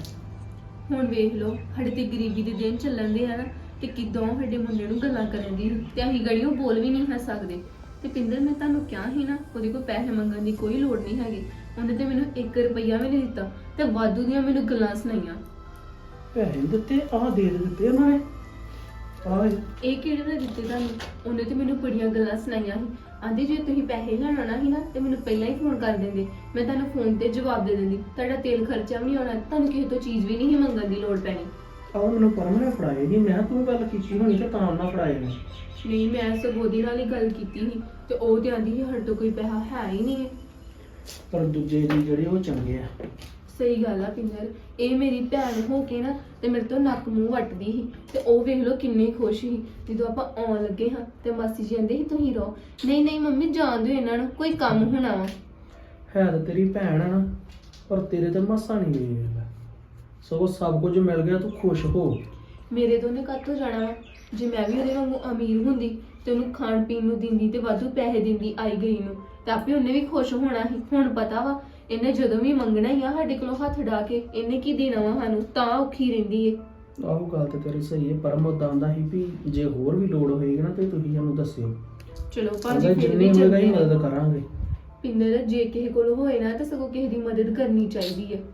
ਹੁਣ ਵੇਖ ਲਓ ਸਾਡੇ ਤੇ ਗਰੀਬੀ ਦੇ ਦਿਨ ਚੱਲਣ ਦੇ ਆ ਨਾ, ਤੇ ਕਿਦੋਂ ਸਾਡੇ ਮੁੰਡੇ ਨੂੰ ਗੱਲਾਂ ਕਰਨ ਦੀ ਤੇ ਅਸੀਂ ਗੜੀਆਂ ਬੋਲ ਵੀ ਨਹੀਂ ਸਕਦੇ। ਤੇ ਪਿੰਦਰ ਮੈਂ ਤੁਹਾਨੂੰ ਕਿਹਾ ਸੀ ਨਾ, ਉਹਦੇ ਕੋਲ ਪੈਸੇ ਮੰਗਣ ਦੀ ਕੋਈ ਲੋੜ ਨਹੀਂ ਹੈਗੀ। ਉਹਨੇ ਤੇ ਮੈਨੂੰ 1 ਰੁਪਈਆ ਵੀ ਨਹੀਂ ਦਿੱਤਾ ਤੇ ਵਾਧੂ ਦੀਆਂ ਮੈਨੂੰ ਗੱਲਾਂ ਸੁਣਾਈਆਂ।
ਪੈਸੇ ਨੀ ਦਿੱਤੇ, ਆਹ ਦੇ ਦਿੱਤੇ ਉਹਨਾਂ ਨੇ। ਆਹ
ਇਹ ਕਿਹੜੇ ਨੇ ਦਿੱਤੇ ਤੁਹਾਨੂੰ? ਉਹਨੇ ਤੇ ਮੈਨੂੰ ਬੜੀਆਂ ਗੱਲਾਂ ਸੁਣਾਈਆਂ ਸੀ। ਆਂਦੀ ਜੇ ਤੁਸੀਂ ਪੈਸੇ ਲੈਣ ਆਉਣਾ ਸੀ ਨਾ ਤੇ ਮੈਨੂੰ ਪਹਿਲਾਂ ਹੀ ਫੋਨ ਕਰ ਦਿੰਦੇ, ਮੈਂ ਤੁਹਾਨੂੰ ਫੋਨ ਤੇ ਜਵਾਬ ਦੇ ਦਿੰਦੀ। ਤੁਹਾਡਾ ਤੇਲ ਖਰਚਾ ਵੀ ਨਹੀਂ ਆਉਣਾ, ਤੁਹਾਨੂੰ ਕਿਸੇ ਤੋਂ ਚੀਜ਼ ਵੀ ਨਹੀਂ ਮੰਗਣ ਦੀ ਲੋੜ ਪੈਣੀ।
ਆਹ ਮੈਨੂੰ ਪਰਮ ਨੇ ਫੜਾਏ ਨਹੀਂ, ਮੈਂ ਤੂੰ ਗੱਲ ਕੀਤੀ ਹੋਣੀ ਤੇ ਤਾਂ ਉਹਨਾਂ ਫੜਾਏ ਨੇ।
ਨਹੀਂ, ਮੈਂ ਸਗੋਂ ਉਹਦੇ ਨਾਲ ਹੀ ਗੱਲ ਕੀਤੀ ਸੀ ਤੇ ਉਹ ਤੇ ਆਂਦੀ ਸੀ ਸਾਡੇ ਤੋਂ ਕੋਈ ਪੈਸਾ ਹੈ ਹੀ ਨਹੀਂ।
ਪਰ ਦੂਜੇ ਜੀ ਜਿਹੜੇ ਉਹ ਚੰਗੇ ਆ।
ਸਹੀ ਗੱਲ ਆ ਪਿੰਦਰ, ਇਹ ਮੇਰੀ ਭੈਣ ਹੋ ਕੇ ਨਾ ਤੇ ਮੇਰੇ ਤੋਂ ਨੱਕ ਮੂੰਹ ਵੱਟਦੀ ਸੀ ਤੇ ਉਹ ਵੇਖ ਲਓ ਕਿੰਨੇ ਖੁਸ਼ ਸੀ। ਜਦੋਂ ਆਪਾਂ ਆਉਣ ਲੱਗੇ ਹਾਂ ਤੇ ਮਾਸੀ ਜੀ ਕਹਿੰਦੇ ਸੀ ਤੁਸੀਂ ਰਹੋ। ਨਹੀਂ ਨਹੀਂ ਮੰਮੀ ਜਾਣ ਦਿਓ ਇਹਨਾਂ ਨੂੰ, ਕੋਈ ਕੰਮ ਹੋਣਾ ਵਾ।
ਹੈ ਤਾਂ ਤੇਰੀ ਭੈਣ ਆ ਨਾ, ਪਰ ਤੇਰੇ ਤੇ ਮਸਾ ਨਹੀਂ ਗਈ। ਸਗੋਂ ਸਭ ਕੁਝ ਮਿਲ ਗਿਆ, ਤੂੰ ਖੁਸ਼ ਹੋ।
ਮੇਰੇ ਤੋਂ ਉਹਨੇ ਕਾਹਤੋਂ ਜਾਣਾ ਵਾ? ਜੇ ਮੈਂ ਵੀ ਉਹਦੇ ਵਾਂਗੂ ਅਮੀਰ ਹੁੰਦੀ ਤੇ ਉਹਨੂੰ ਖਾਣ ਪੀਣ ਨੂੰ ਦਿੰਦੀ ਤੇ ਵਾਧੂ ਪੈਸੇ ਦਿੰਦੀ ਆਈ ਗਈ ਨੂੰ, ਤੇ ਆਪੇ ਉਹਨੇ ਵੀ ਖੁਸ਼ ਹੋਣਾ ਸੀ। ਹੁਣ ਪਤਾ ਵਾ ਇਹਨੇ ਜਦੋਂ ਵੀ ਮੰਗਣਾ ਹੀ ਆ ਸਾਡੇ ਕੋਲੋਂ ਹੱਥ ਡਾ ਕੇ, ਇਹਨੇ ਕੀ ਦੇਣਾ ਵਾ ਸਾਨੂੰ, ਤਾਂ ਔਖੀ ਰਹਿੰਦੀ ਏ।
ਆਹੋ ਗੱਲ ਤੇ ਤੇਰੀ ਸਹੀ ਹੈ, ਪਰਮ ਉਦਾਂ ਦਾ ਹੀ ਵੀ ਜੇ ਹੋਰ ਵੀ ਲੋੜ ਹੋਏਗੀ ਨਾ ਤੇ ਤੁਸੀਂ ਸਾਨੂੰ ਦੱਸਿਓ।
ਚਲੋ ਭਾਜੀ ਫਿਰ
ਜਿੰਨੀ
ਵੀ
ਹੋਏਗਾ
ਚੰਗੇ
ਹੀ
ਨੇ।
ਮਦਦ ਕਰਾਂਗੇ।
ਪਿੰਦਰ ਜੇ ਕਿਸੇ ਕੋਲ ਹੋਏ ਨਾ ਤਾਂ ਸਗੋਂ ਕਿਸੇ ਦੀ ਮਦਦ ਕਰਨੀ ਚਾਹੀਦੀ ਹੈ।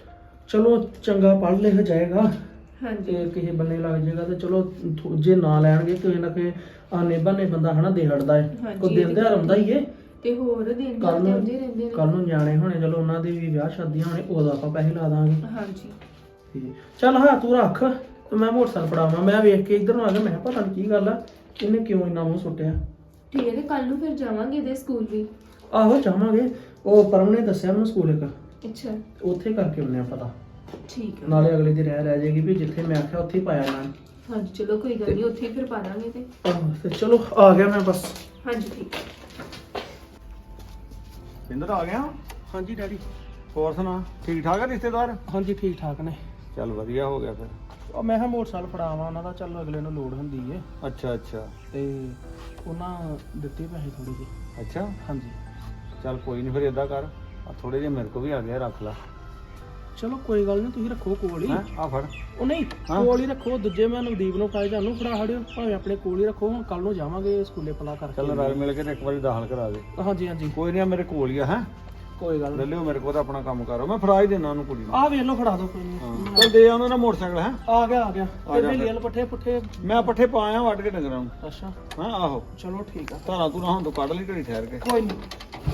ਚਲੋ ਚੰਗਾ ਪੜ੍ਹ ਲਿਖ ਜਾਏਗਾ
ਹਾਂਜੀ
ਤੇ ਕਿਸੇ ਬੰਨੇ ਲੱਗ ਜਾਏਗਾ ਤੇ ਚਲੋ ਜੇ ਨਾ ਲੈਣਗੇ ਕਿਸੇ ਨਾ ਕਿਸੇ ਆਨੇ ਬਹਾਨੇ ਬੰਦਾ ਹਨਾ ਦੇ ਹਟਦਾ ਹੈ।
ਹਾਂਜੀ,
ਕੋਈ ਦਿਨ ਤਿਉਹਾਰ ਆਉਂਦਾ ਹੀ ਏ।
ਤੇ ਹੋਰ ਦਿਨ
ਕੱਲ
ਰਾਤ
ਨੂੰ
ਆਉਂਦੇ ਰਹਿੰਦੇ ਨੇ।
ਕੱਲ ਨੂੰ ਨਿਆਣੇ ਹੋਣੇ, ਚਲੋ ਉਹਨਾਂ ਦੇ ਵੀ ਵਿਆਹ ਸ਼ਾਦੀਆਂ ਹੋਣੇ, ਉਦੋਂ ਆਪਾਂ ਪੈਸੇ ਲਾ ਦਾਂਗੇ।
ਹਾਂਜੀ
ਤੇ ਚੱਲ ਹਾਂ ਤੂੰ ਰੱਖ ਤੇ ਮੈਂ ਮੋਟਰਸਾਈਕਲ ਫੜਾਵਾਂ। ਮੈਂ ਵੇਖ ਕੇ ਇੱਧਰ ਨੂੰ ਆ ਗਿਆ, ਮੈਂ ਕਿਹਾ ਪਤਾ ਨਹੀਂ ਕੀ ਗੱਲ ਆ, ਇਹਨੇ ਕਿਉਂ ਇੰਨਾ ਮੂੰਹ ਸੁੱਟਿਆ।
ਠੀਕ ਹੈ, ਤੇ ਕੱਲ ਨੂੰ ਫਿਰ ਜਾਵਾਂਗੇ ਇਹਦੇ ਸਕੂਲ ਵੀ।
ਆਹੋ ਜਾਵਾਂਗੇ, ਉਹ ਪਰਮ ਨੇ ਦੱਸਿਆ ਮੈਨੂੰ ਸਕੂਲ ਇੱਕ,
ਅੱਛਾ
ਉੱਥੇ ਕਰਕੇ ਉਹਨੇ ਪਤਾ।
ਠੀਕ ਹੈ।
ਨਾਲੇ ਅਗਲੇ ਦੀ ਰਹਿ ਜਾਏਗੀ ਵੀ ਜਿੱਥੇ ਮੈਂ ਆਖਿਆ ਉੱਥੇ ਹੀ ਪਾਇਆ ਨਾ।
ਹਾਂਜੀ ਚਲੋ ਕੋਈ ਗੱਲ ਨਹੀਂ, ਉੱਥੇ ਹੀ ਫਿਰ ਪਾ ਦਾਂਗੇ ਤੇ।
ਆਹੋ ਤੇ ਚਲੋ ਆ ਗਿਆ ਮੈਂ ਬਸ।
ਹਾਂਜੀ ਠੀਕ ਹੈ।
ਪਿੰਦਰ ਆ ਗਿਆ?
ਹਾਂਜੀ ਡੈਡੀ।
ਹੋਰ ਸੁਣਾ, ਠੀਕ ਠਾਕ ਆ ਰਿਸ਼ਤੇਦਾਰ?
ਹਾਂਜੀ ਠੀਕ ਠਾਕ ਨੇ।
ਚੱਲ ਵਧੀਆ ਹੋ ਗਿਆ ਫਿਰ।
ਉਹ ਮੈਂ ਕਿਹਾ ਮੋਟਰਸਾਈਕਲ ਫੜਾਵਾਂ ਉਹਨਾਂ ਦਾ, ਚੱਲ ਅਗਲੇ ਨੂੰ ਲੋੜ ਹੁੰਦੀ ਏ।
ਅੱਛਾ ਅੱਛਾ
ਤੇ ਉਹਨਾਂ ਦਿੱਤੇ ਪੈਸੇ ਥੋੜੇ ਜਿਹੇ।
ਅੱਛਾ,
ਹਾਂਜੀ
ਚੱਲ ਕੋਈ ਨਹੀਂ, ਫਿਰ ਏਦਾਂ ਕਰ, ਆ ਥੋੜੇ ਜਿਹੇ ਮੇਰੇ ਕੋ ਵੀ ਆ ਗਿਆ, ਰੱਖ ਲਾ।
ਚਲੋ ਕੋਈ ਗੱਲ ਨਹੀਂ, ਤੁਸੀਂ ਰੱਖੋ ਕੋਲ ਹੀ।
ਹੈਂ ਆ ਫੜ।
ਉਹ ਨਹੀਂ ਕੋਲ ਹੀ ਰੱਖੋ, ਦੂਜੇ ਮੈਂ ਨਵਦੀਪ ਨੂੰ ਫੜਾਏ, ਤੁਹਾਨੂੰ ਫੜਾ ਖੜਿਓ, ਭਾਵੇਂ ਆਪਣੇ ਕੋਲ ਹੀ ਰੱਖੋ। ਹੁਣ ਕੱਲ ਨੂੰ ਜਾਵਾਂਗੇ ਸਕੂਲੇ ਪਲਾ ਕਰਕੇ।
ਚੱਲ ਰਲ ਮਿਲ ਕੇ ਤੇ ਇੱਕ ਵਾਰੀ ਦਾਖਲ ਕਰਾ ਦੇ।
ਹਾਂਜੀ ਹਾਂਜੀ
ਕੋਈ ਨਹੀਂ, ਮੇਰੇ ਕੋਲ ਹੀ ਆ। ਹੈ
ਕੋਈ ਗੱਲ
ਲੈ
ਨਹੀਂ।
ਲਿਓ ਮੇਰੇ ਕੋਲ ਤਾਂ ਆਪਣਾ ਕੰਮ ਕਰੋ, ਮੈਂ ਫੜਾ ਹੀ ਦੇਣਾ ਉਹਨੂੰ ਕੁੜੀ ਨੂੰ।
ਆਹ ਵੇਖ ਲਓ, ਫੜਾ ਦਿਓ ਕੋਈ ਨਹੀਂ।
ਹਾਂ ਚੱਲ ਦੇ ਉਹਨਾਂ ਦਾ ਮੋਟਰਸਾਈਕਲ। ਹੈ
ਆ ਗਿਆ ਆ ਗਿਆ।
ਆ ਜਾ
ਤੇ
ਫਿਰ।
ਲੀਲ ਪੱਠੇ ਪੁੱਠੇ।
ਮੈਂ ਪੱਠੇ ਪਾਇਆ ਵੱਢ ਕੇ ਡੰਗਰਾਂ ਨੂੰ।
ਅੱਛਾ
ਹਾਂ ਆਹੋ,
ਚਲੋ ਠੀਕ ਆ।
ਧਾਰਾਂ ਤੂੰ ਹੁਣ ਤੋਂ ਕੱਢ ਲਈ ਘੜੀ ਠਹਿਰ ਕੇ।
ਕੋਈ ਨਹੀਂ।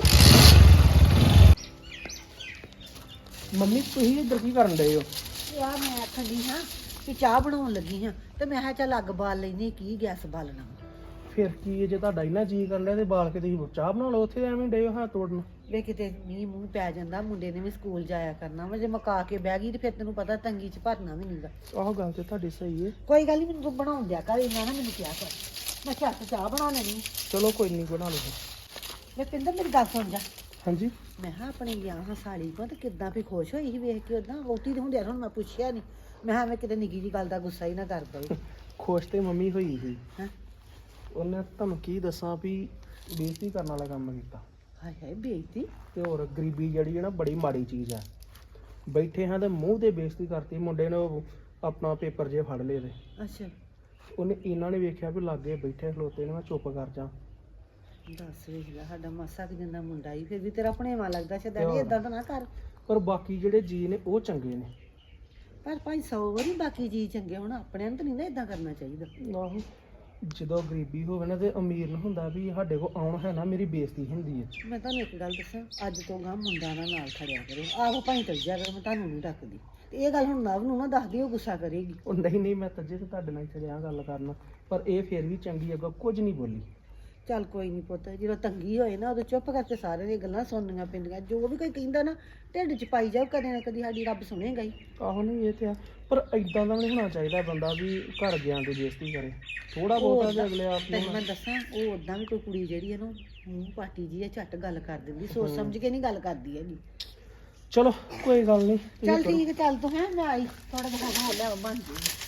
ਮੰਮੀ ਤੁਸੀਂ ਇੱਧਰ ਕੀ ਕਰਨ ਡਏ ਹੋ?
ਯਾਰ ਮੈਂ ਆਖਣ ਦੀ ਹਾਂ ਕਿ ਚਾਹ ਬਣਾਉਣ ਲੱਗੀ ਹਾਂ ਤੇ ਮੈਂ ਕਿਹਾ ਚੱਲ ਅੱਗ ਬਾਲ ਲੈਣੀ, ਕੀ ਗੈਸ ਬਾਲਣਾ।
ਫਿਰ ਕੀ ਹੈ, ਜੇ ਤੁਹਾਡਾ ਇੰਨਾ ਜੀ ਕਰ ਲਿਆ ਤੇ ਬਾਲ ਕੇ ਤੁਸੀਂ ਚਾਹ ਬਣਾ ਲਓ, ਉੱਥੇ ਐਵੇਂ ਡਏ ਹੋ ਹੱਥ ਤੋੜਨ।
ਵੇ ਕਿਤੇ ਮੀਂਹ ਮੂੰਹ ਪੈ ਜਾਂਦਾ, ਮੁੰਡੇ ਨੇ ਵੀ ਸਕੂਲ ਜਾਇਆ ਕਰਨਾ ਵਾ, ਜੇ ਮਕਾ ਕੇ ਬਹਿ ਗਈ ਤੇ ਫਿਰ ਤੈਨੂੰ ਪਤਾ ਤੰਗੀ ਚ ਭਰਨਾ ਵੀ ਨਹੀਂਗਾ।
ਆਹੋ ਗੱਲ ਤੇ ਤੁਹਾਡੀ ਸਹੀ ਹੈ।
ਕੋਈ ਗੱਲ ਨਹੀਂ, ਮੈਨੂੰ ਤੂੰ ਬਣਾਉਣ ਦਿਆ ਕਰ, ਇਹਨਾਂ ਨਾ ਮੈਨੂੰ ਕਿਹਾ ਕਰ, ਮੈਂ ਝੱਟ ਚਾਹ ਬਣਾ ਲੈਣੀ।
ਚਲੋ ਕੋਈ ਨਹੀਂ, ਬਣਾ ਲਓ।
ਮੈਂ ਪਿੰਦਰ ਮੇਰੀ ਗੱਲ ਸੁਣ ਜਾ।
ਹਾਂਜੀ
ਮੈਂ ਕਿਹਾ ਆਪਣੇ ਗਿਆ ਹਾਂ ਸਾਲੀ ਕੋਲ ਤੇ ਕਿੱਦਾਂ ਵੀ ਖੁਸ਼ ਹੋਈ ਸੀ ਵੇਖ ਕੇ, ਉਦਾਂ ਵੋਟੀ ਦੇ ਹੁੰਦਿਆਂ ਹੁਣ ਮੈਂ ਪੁੱਛਿਆ ਨਹੀਂ। ਮੈਂ ਕਿਹਾ ਮੈਂ ਕਿਤੇ ਨਿੱਕੀ ਜੀ ਗੱਲ ਦਾ ਗੁੱਸਾ ਹੀ ਨਾ ਕਰ ਪਈ।
ਖੁਸ਼ ਤੇ ਮੰਮੀ ਹੋਈ ਸੀ।
ਹੈਂ
ਉਹਨੇ ਤੁਹਾਨੂੰ ਕੀ ਦੱਸਾਂ ਵੀ ਬੇਇੱਜ਼ਤੀ ਕਰਨ ਵਾਲਾ ਕੰਮ ਕੀਤਾ।
ਹਾਏ ਹਾਏ ਬੇਇੱਜ਼ਤੀ।
ਤੇ ਹੋਰ ਗਰੀਬੀ ਜਿਹੜੀ ਹੈ ਨਾ ਬੜੀ ਮਾੜੀ ਚੀਜ਼ ਹੈ। ਬੈਠੇ ਹਾਂ ਤੇ ਮੂੰਹ ਤੇ ਬੇਇੱਜ਼ਤੀ ਕਰਤੀ। ਮੁੰਡੇ ਨੇ ਉਹ ਆਪਣਾ ਪੇਪਰ ਜੇ ਫੜ ਲਏ ਤੇ
ਅੱਛਾ
ਉਹਨੇ ਇਹਨਾਂ ਨੇ ਵੇਖਿਆ ਵੀ ਲਾਗੇ ਬੈਠੇ ਖਲੋਤੇ ਨੇ, ਮੈਂ ਚੁੱਪ ਕਰ ਜਾ।
ਦੱਸ ਵੇਖ ਲੈ, ਸਾਡਾ ਮਾਸਾ ਕਿ ਜਿੰਦਾ ਮੁੰਡਾ ਹੀ ਫਿਰ ਵੀ ਤੇਰਾ ਭਣੇਵਾ ਲੱਗਦਾ ਸ਼ਦਾਨੀ, ਏਦਾਂ ਤਾਂ ਨਾ ਕਰ।
ਪਰ ਬਾਕੀ ਜਿਹੜੇ ਜੀ ਨੇ ਉਹ ਚੰਗੇ ਨੇ।
ਪਰ ਭਾਈ 100 ਵਾਰੀ ਬਾਕੀ ਜੀ ਚੰਗੇ ਹੋਣ, ਆਪਣਿਆਂ ਨੂੰ ਤਾਂ ਨਹੀਂ ਨਾ ਏਦਾਂ ਕਰਨਾ ਚਾਹੀਦਾ।
ਆਹੋ ਜਦੋਂ ਗਰੀਬੀ ਹੋਵੇ ਨਾ ਤੇ ਅਮੀਰ ਨੂੰ ਹੁੰਦਾ ਵੀ ਸਾਡੇ ਕੋਲ ਆਉਣ ਹੈ ਨਾ, ਮੇਰੀ ਬੇਇੱਜ਼ਤੀ ਹੁੰਦੀ ਹੈ।
ਮੈਂ ਤੁਹਾਨੂੰ ਇੱਕ ਗੱਲ ਦੱਸਾਂ, ਅੱਜ ਤੋਂ ਗਾਂ ਮੁੰਡਾ ਨਾਲ ਖੜਿਆ ਕਰੋ, ਆਹੋ ਭਾਈ ਚੱਲ ਜਾ ਕਰੋ, ਮੈਂ ਤੁਹਾਨੂੰ ਨਹੀਂ ਰੱਖਦੀ। ਤੇ ਇਹ ਗੱਲ ਹੁਣ ਨਵ ਨੂੰ ਨਾ ਦੱਸਦੀ, ਉਹ ਗੁੱਸਾ ਕਰੇਗੀ।
ਉਹ ਨਹੀਂ ਨਹੀਂ, ਮੈਂ ਤੱਜੇ ਤੇ ਤੁਹਾਡੇ ਨਾਲ ਚੜਿਆ ਗੱਲ ਕਰਨਾ, ਪਰ ਇਹ ਫਿਰ ਵੀ ਚੰਗੀ ਅੱਗੋਂ ਕੁਝ ਨਹੀਂ ਬੋਲੀ।
ਚੱਲ ਕੋਈ ਨਹੀਂ ਪੁੱਤ, ਜਦੋਂ ਤੰਗੀ ਹੋਏ ਨਾ ਉਦੋਂ ਚੁੱਪ ਕਰਕੇ ਸਾਰਿਆਂ ਦੀਆਂ ਗੱਲਾਂ ਸੁਣਨੀਆਂ ਪੈਂਦੀਆਂ। ਜੋ ਵੀ ਕੋਈ ਕਹਿੰਦਾ ਨਾ ਢਿੱਡ 'ਚ ਪਾਈ ਜਾਓ, ਕਦੇ ਨਾ ਕਦੀ ਸਾਡੀ ਰੱਬ ਸੁਣੇਗਾ ਹੀ।
ਆਹੋ ਨਹੀਂ ਇਹ ਤੇ ਆ, ਪਰ ਇਦਾਂ ਦਾ ਵੀ ਨਹੀਂ ਹੋਣਾ ਚਾਹੀਦਾ ਬੰਦਾ ਵੀ ਘਰ ਗਿਆ ਤੇ ਬੇਇੱਜ਼ਤੀ ਕਰੇ। ਥੋੜਾ ਬਹੁਤਾ ਤੇ ਅਗਲੇ ਆਪ
ਤੈਨੂੰ
ਨੂੰ
ਮੈਂ ਦੱਸਾਂ, ਉਹ ਉਦਾਂ ਵੀ ਕੋਈ ਕੁੜੀ ਜਿਹੜੀ ਹੈ ਨਾ ਮੂੰਹ ਪਾਟੀ ਜੀ ਹੈ, ਝੱਟ ਗੱਲ ਕਰ ਦਿੰਦੀ, ਸੋਚ ਸਮਝ ਕੇ ਨਹੀਂ ਗੱਲ ਕਰਦੀ ਹੈਗੀ।
ਚਲੋ ਕੋਈ ਗੱਲ ਨਹੀਂ।
ਚੱਲ ਠੀਕ ਹੈ, ਚੱਲ ਤੂੰ ਹੈ, ਮੈਂ ਆਈ ਥੋੜਾ ਜਿਹਾ ਹੋ ਲਿਆ ਬਣ ਜੀ।